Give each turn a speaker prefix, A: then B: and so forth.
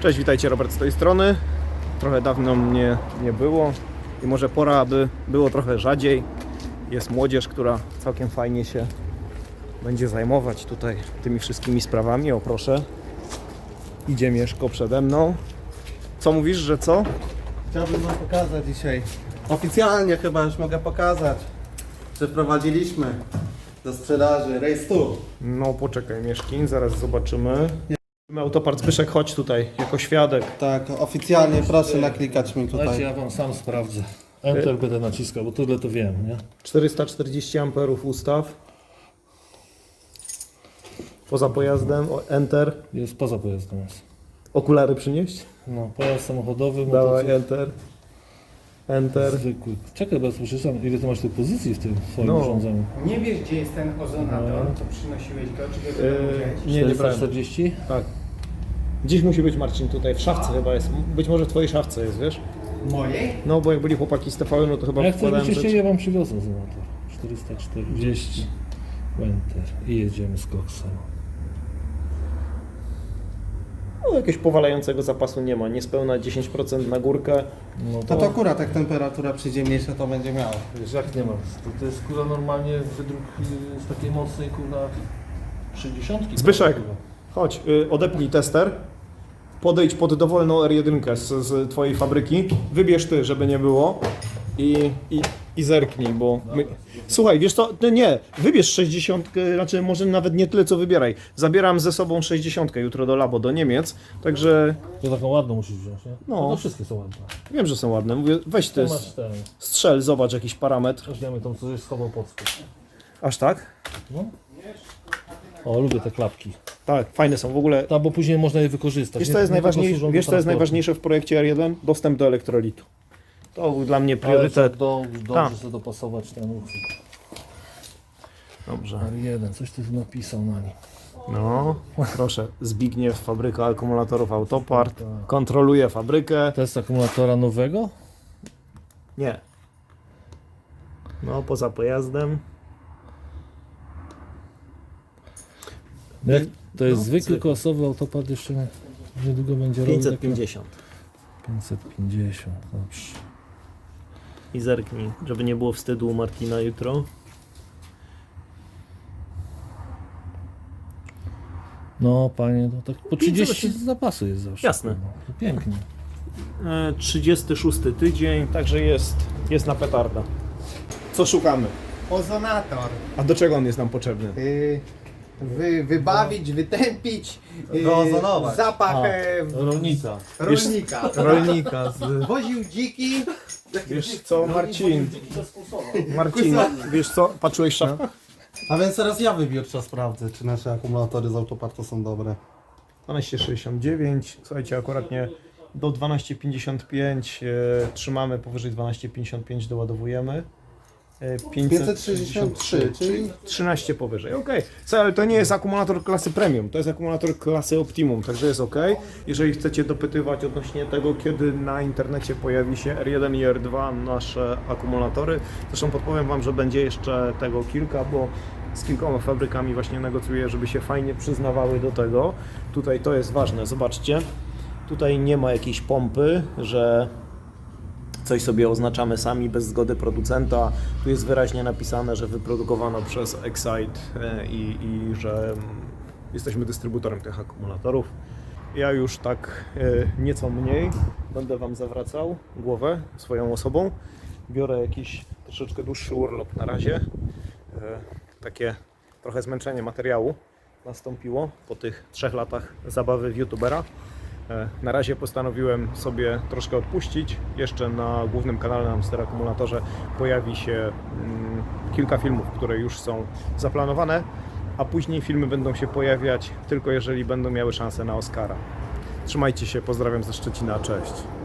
A: Cześć, witajcie, Robert z tej strony. Trochę dawno mnie nie było i może pora, aby było trochę rzadziej. Jest młodzież, która całkiem fajnie się będzie zajmować tutaj tymi wszystkimi sprawami. O proszę, idzie Mieszko przede mną. Co mówisz, że co?
B: Chciałbym wam pokazać dzisiaj. Oficjalnie chyba już mogę pokazać, że wprowadziliśmy do sprzedaży Race 2.
A: No poczekaj, Mieszkin, zaraz zobaczymy. Autopart Zbyszek, chodź tutaj jako świadek.
B: Tak, oficjalnie proszę naklikać mi
C: Dajcie,
B: tutaj.
C: ja wam sam sprawdzę. Enter będę naciskał, bo tyle to wiem, nie?
A: 440 amperów ustaw. Poza pojazdem, Enter.
C: Jest poza pojazdem. Jest.
A: Okulary przynieść?
C: No, pojazd samochodowy,
A: Dawaj,
C: motocykl,
A: Enter. Enter.
C: zwykły. Czekaj, bo ja słyszałem, ile ty masz tych pozycji w tym swoim
A: No.
C: urządzeniu?
D: Nie wiesz, gdzie jest ten ozonator, to przynosiłeś go, czy go wziąłeś?
A: Nie brałem.
C: 440?
A: Tak. Gdzieś musi być, Marcin, tutaj w szafce chyba jest. Być może w twojej szafce jest, wiesz?
D: Mojej?
A: No bo jak byli chłopaki z TVN, no to chyba
C: Jak chcesz
A: wkładałem
C: byście
A: rzeczy.
C: chcieli, ja wam przywiozę ozonator. 440. Enter. I jedziemy z koksem.
A: No jakiegoś powalającego zapasu nie ma. Niespełna 10% na górkę.
C: No
B: To akurat jak temperatura przyjdzie mniejsza, to będzie miało.
C: Wiesz, jak nie ma? To jest kula normalnie wydruk z takiej mocnej kula 60.
A: Zbyszek, chodź, odepnij tester. Podejdź pod dowolną R1 z twojej fabryki. Wybierz ty, żeby nie było. I zerknij, bo... Słuchaj, wiesz co? Nie, wybierz 60, znaczy może nawet nie tyle co wybieraj. Zabieram ze sobą 60 jutro do labo, do Niemiec, także
C: To taką ładną musisz wziąć, nie?
A: No.
C: No to wszystkie są ładne.
A: wiem, że są ładne. Mówię, weź ty,
C: Tu masz ten.
A: strzel, zobacz jakiś parametr.
C: Weźmiemy tą, co żeś schował pod spód.
A: Aż tak?
C: No. O, lubię te klapki.
A: Tak, fajne są w ogóle.
C: No, bo później można je wykorzystać.
A: Wiesz,
C: nie?
A: co jest,
C: Nie tylko służą do
A: wiesz, co jest
C: transportu.
A: najważniejsze w projekcie R1? Dostęp do elektrolitu. To był dla mnie
C: Ale trzeba
A: priorytet.
C: dobrze
A: Tak.
C: sobie dopasować ten uchwyt.
A: Dobrze.
C: R1, coś ty tu napisał na nim.
A: No, proszę. Zbigniew, fabryka akumulatorów Autopart.
C: Tak.
A: Kontroluje fabrykę.
C: To jest akumulatora nowego?
A: Nie. No, poza pojazdem.
C: Jak to jest
A: No,
C: zwykły
A: zwykły.
C: klasowy autopad, jeszcze niedługo będzie robił
A: 550.
C: takie 550, dobrze.
A: I zerknij, żeby nie było wstydu u Martina jutro.
C: No panie, no tak po 30
A: 508.
C: zapasu jest zawsze.
A: Jasne.
C: No, to pięknie.
A: 36 tydzień, także jest na petarda. Co szukamy?
D: Ozonator.
A: A do czego on jest nam potrzebny?
D: Wybawić, wytępić,
B: Wyozonować.
D: zapach
C: Rolnica.
D: rolnika.
A: Rolnika.
D: Woził dziki.
A: Wiesz co, Marcin? Marcin, wiesz co? Patrzyłeś w szafkach?
B: A więc teraz ja wybiórczo sprawdzę, czy nasze akumulatory z Autopartu są dobre.
A: 12,69. Słuchajcie, akurat nie do 12,55 trzymamy, powyżej 12,55 doładowujemy.
B: 563, czyli
A: 13 powyżej, ok. Ale to nie jest akumulator klasy premium, to jest akumulator klasy optimum, także jest ok. Jeżeli chcecie dopytywać odnośnie tego, kiedy na internecie pojawi się R1 i R2 nasze akumulatory, zresztą podpowiem Wam, że będzie jeszcze tego kilka, bo z kilkoma fabrykami właśnie negocjuję, żeby się fajnie przyznawały do tego. Tutaj to jest ważne, zobaczcie, tutaj nie ma jakiejś pompy, że coś sobie oznaczamy sami bez zgody producenta. Tu jest wyraźnie napisane, że wyprodukowano przez Excite i że jesteśmy dystrybutorem tych akumulatorów. Ja już tak nieco mniej będę Wam zawracał głowę swoją osobą. Biorę jakiś troszeczkę dłuższy urlop na razie. Takie trochę zmęczenie materiału nastąpiło po tych 3 latach zabawy w youtubera. Na razie postanowiłem sobie troszkę odpuścić. Jeszcze na głównym kanale na Amster Akumulatorze pojawi się kilka filmów, które już są zaplanowane, a później filmy będą się pojawiać tylko jeżeli będą miały szansę na Oscara. Trzymajcie się, pozdrawiam ze Szczecina, cześć.